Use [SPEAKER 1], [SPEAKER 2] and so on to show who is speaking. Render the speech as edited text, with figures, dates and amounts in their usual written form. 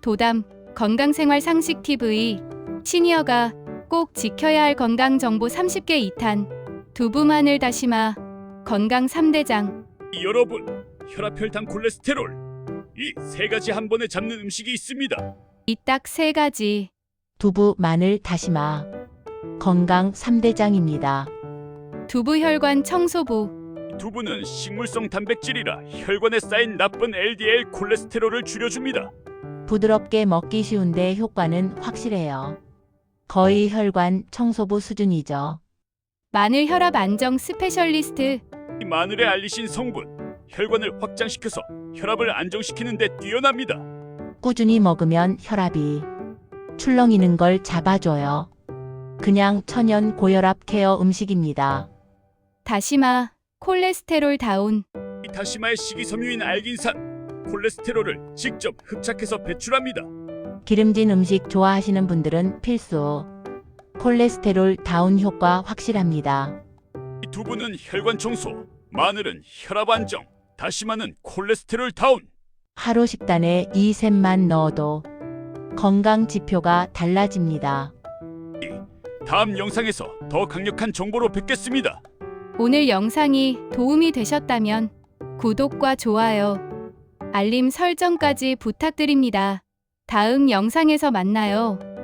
[SPEAKER 1] 도담 건강생활 상식 TV 시니어가 꼭 지켜야 할 건강정보 30개 2탄 두부 마늘 다시마 건강 3대장.
[SPEAKER 2] 여러분, 혈압, 혈당, 콜레스테롤 이 세 가지 한 번에 잡는 음식이 있습니다.
[SPEAKER 1] 이 딱 3가지.
[SPEAKER 3] 두부, 마늘, 다시마. 건강 3대장입니다.
[SPEAKER 1] 두부 혈관 청소부.
[SPEAKER 2] 두부는 식물성 단백질이라 혈관에 쌓인 나쁜 LDL 콜레스테롤을 줄여줍니다.
[SPEAKER 3] 부드럽게 먹기 쉬운데 효과는 확실해요. 거의 혈관 청소부 수준이죠.
[SPEAKER 1] 마늘 혈압 안정 스페셜리스트.
[SPEAKER 2] 이 마늘에 알리신 성분, 혈관을 확장시켜서 혈압을 안정시키는 데 뛰어납니다.
[SPEAKER 3] 꾸준히 먹으면 혈압이 출렁이는 걸 잡아줘요. 그냥 천연 고혈압 케어 음식입니다.
[SPEAKER 1] 다시마 콜레스테롤 다운.
[SPEAKER 2] 이 다시마의 식이섬유인 알긴산, 콜레스테롤을 직접 흡착해서 배출합니다.
[SPEAKER 3] 기름진 음식 좋아하시는 분들은 필수. 콜레스테롤 다운 효과 확실합니다.
[SPEAKER 2] 이 두부는 혈관 청소, 마늘은 혈압 안정, 다시마는 콜레스테롤 다운.
[SPEAKER 3] 하루 식단에 이 셋만 넣어도 건강 지표가 달라집니다.
[SPEAKER 2] 다음 영상에서 더 강력한 정보로 뵙겠습니다.
[SPEAKER 1] 오늘 영상이 도움이 되셨다면 구독과 좋아요, 알림 설정까지 부탁드립니다. 다음 영상에서 만나요.